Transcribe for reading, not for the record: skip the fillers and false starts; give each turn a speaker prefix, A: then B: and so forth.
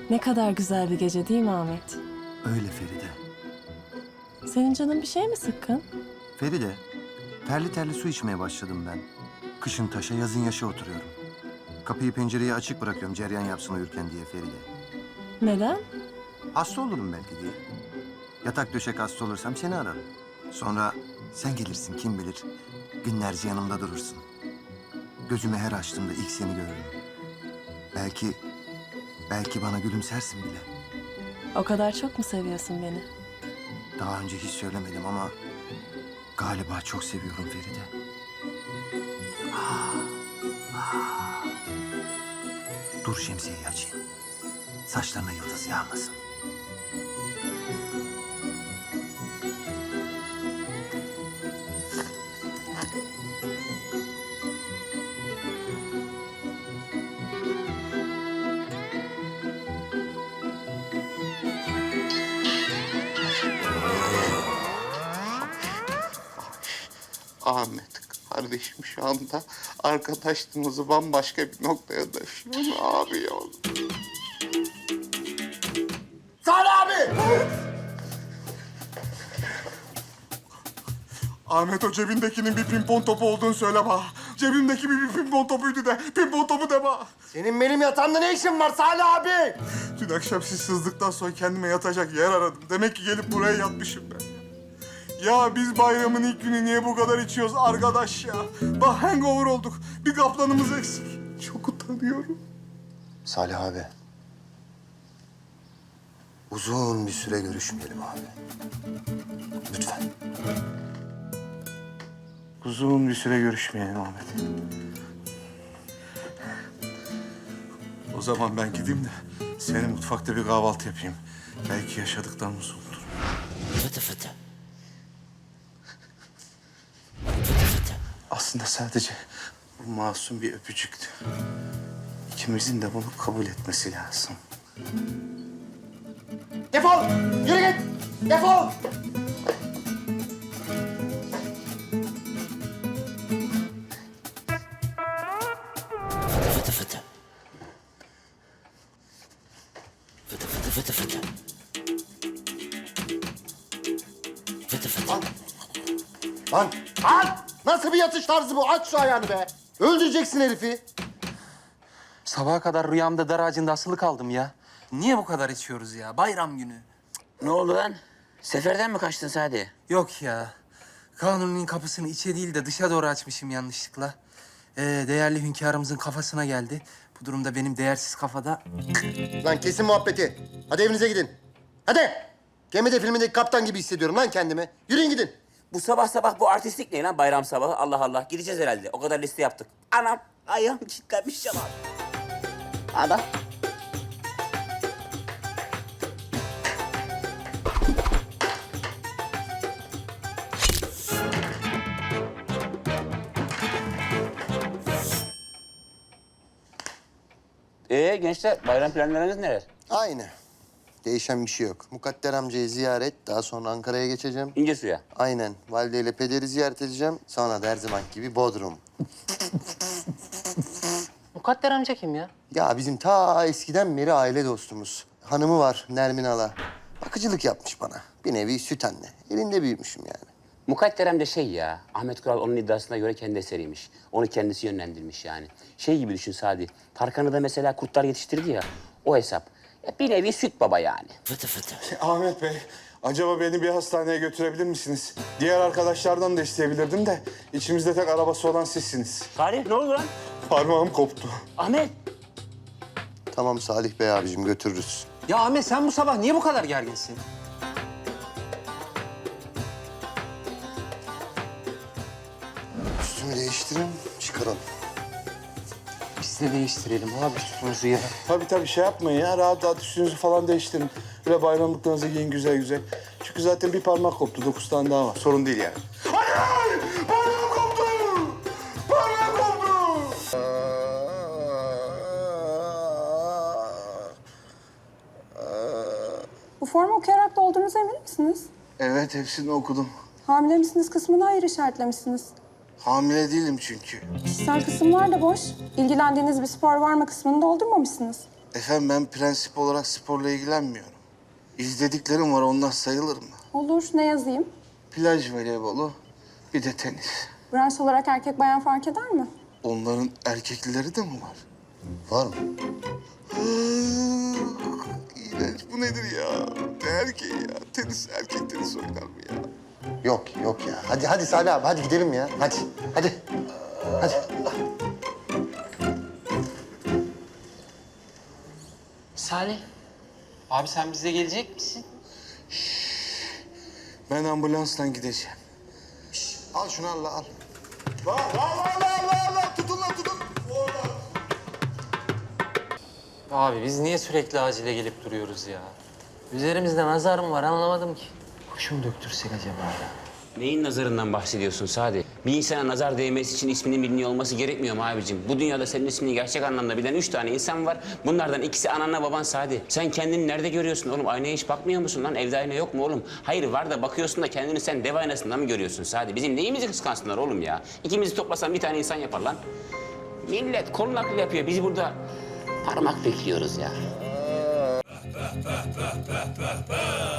A: Ne kadar güzel bir gece değil mi Ahmet?
B: Öyle Feride.
A: Senin canın bir şey mi sıkkın?
B: Feride, terli terli su içmeye başladım ben. Kışın taşa, yazın yaşa oturuyorum. Kapıyı pencereyi açık bırakıyorum cereyan yapsın uyurken diye Feride.
A: Neden?
B: Hasta olurum belki diye. Yatak döşek hasta olursam seni ararım. Sonra sen gelirsin kim bilir. Günlerce yanımda durursun. Gözümü her açtığımda ilk seni görürüm. Belki bana gülümsersin bile.
A: O kadar çok mu seviyorsun beni?
B: Daha önce hiç söylemedim ama galiba çok seviyorum Feride. Dur şemsiyeyi açayım. Saçlarına yıldız yağmasın.
C: Ahmet kardeşim şu anda arkadaşlığımızı bambaşka bir noktaya taşıyor abi ya.
D: Salih abi!
C: Ahmet o cebindekinin bir pimpon topu olduğunu söyle bana. Cebimdeki bir pimpon topuydu de. Pimpon topu de bana.
D: Senin benim yatağımda ne işin var Salih abi?
C: Dün akşam siz sızdıktan sonra kendime yatacak yer aradım. Demek ki gelip buraya yatmışım ben. Ya biz bayramın ilk günü niye bu kadar içiyoruz arkadaş ya? Bak hangover olduk. Bir kaplanımız eksik. Çok utanıyorum.
B: Salih abi. Uzun bir süre görüşmeyelim abi. Lütfen.
C: Uzun bir süre görüşmeyelim Ahmet. O zaman ben gideyim de seni mutfakta bir kahvaltı yapayım. Belki yaşadıklarımız unutur.
E: Fıtı fıtı.
C: Aslında sadece bu masum bir öpücüktü. İkimizin de bunu kabul etmesi lazım.
D: Defol! Yürü git! Defol!
E: Fıtı fıtı. Fıtı fıtı fıtı fıtı. Fıtı fıtı.
D: Lan! Nasıl bir yatış tarzı bu? Aç şu ayağını be! Öldüreceksin herifi.
F: Sabaha kadar rüyamda dar ağacında asılı kaldım ya. Niye bu kadar içiyoruz ya? Bayram günü.
E: Ne oldu lan? Seferden mi kaçtın Sadi?
F: Yok ya. Kanuni'nin kapısını içe değil de dışa doğru açmışım yanlışlıkla. Değerli hünkârımızın kafasına geldi. Bu durumda benim değersiz kafada...
D: Lan kesin muhabbeti. Hadi evinize gidin. Hadi! Gemide filmindeki kaptan gibi hissediyorum lan kendimi. Yürüyün gidin.
E: Bu sabah sabah bu artistlik ne lan bayram sabahı? Allah Allah. Gideceğiz herhalde. O kadar liste yaptık. Anam ayağım kilitlenmiş ya lan. Ana. Gençler bayram planlarınız neler?
D: Aynı. Değişen bir şey yok. Mukadder amcayı ziyaret, daha sonra Ankara'ya geçeceğim.
E: İnce suya.
D: Aynen. Valideyle pederi ziyaret edeceğim. Sonra da her zaman gibi Bodrum.
F: Mukadder amca kim ya?
D: Ya bizim ta eskiden beri aile dostumuz. Hanımı var Nermin Ala. Bakıcılık yapmış bana. Bir nevi süt anne. Elinde büyümüşüm yani.
E: Mukadderem de şey ya, Ahmet Kural onun iddiasına göre kendi eseriymiş. Onu kendisi yönlendirmiş yani. Şey gibi düşün Sadi, Tarkan'ı da mesela kurtlar yetiştirdi ya, o hesap. Ya bir nevi süt baba yani. Fıtı fıtı.
C: Ahmet Bey, acaba beni bir hastaneye götürebilir misiniz? Diğer arkadaşlardan da isteyebilirdim de içimizde tek arabası olan sizsiniz.
E: Salih ne oldu lan?
C: Parmağım koptu.
E: Ahmet.
D: Tamam Salih Bey abicim götürürüz.
F: Ya Ahmet sen bu sabah niye bu kadar gerginsin?
D: Üstümü değiştirin, çıkaralım.
F: Biz de değiştirelim abi üstümüzü ya.
C: Tabii şey yapmayın ya, rahat rahat üstünüzü falan değiştirin. Böyle bayramlıklarınızı giyin güzel güzel. Çünkü zaten bir parmak koptu, 9 tane daha var. Sorun değil yani. Hayır! Parmağım koptu! Parmağım koptu!
G: Bu formu okuyarak dolduğunuza emin misiniz?
C: Evet, hepsini okudum.
G: Hamile misiniz kısmını hayır işaretlemişsiniz.
C: Hamile değilim çünkü.
G: Kişisel kısımlar da boş. İlgilendiğiniz bir spor var mı kısmını doldurmamışsınız.
C: Efendim ben prensip olarak sporla ilgilenmiyorum. İzlediklerim var, onlar sayılır mı?
G: Olur, ne yazayım?
C: Plaj voleybolu, bir de tenis.
G: Branş olarak erkek bayan fark eder mi?
C: Onların erkeklileri de mi var?
D: Var mı?
C: İğrenç, bu nedir ya? Ne erkeği ya? Tenis, erkek tenis oynar mı ya?
D: Yok ya. Hadi Salih abi hadi gidelim ya. Hadi.
F: Salih, abi sen bize gelecek misin?
C: Ben ambulansla gideceğim.
D: Al şunu al.
C: La, tutun lan, tutun.
H: Abi biz niye sürekli acile gelip duruyoruz ya? Üzerimizde nazar mı var anlamadım ki. Kuş mu döktürsek acaba ya?
E: Neyin nazarından bahsediyorsun Sadi? Bir insana nazar değmesi için isminin biliniyor olması gerekmiyor mu abicim? Bu dünyada senin ismini gerçek anlamda bilen 3 tane insan var. Bunlardan ikisi ananla baban Sadi. Sen kendini nerede görüyorsun oğlum? Aynaya hiç bakmıyor musun lan? Evde ayna yok mu oğlum? Hayır var da bakıyorsun da kendini sen dev aynasında mı görüyorsun Sadi? Bizim neyimizi kıskansınlar oğlum ya? İkimizi toplasan bir tane insan yapar lan. Millet kol nakli yapıyor. Biz burada parmak bekliyoruz ya.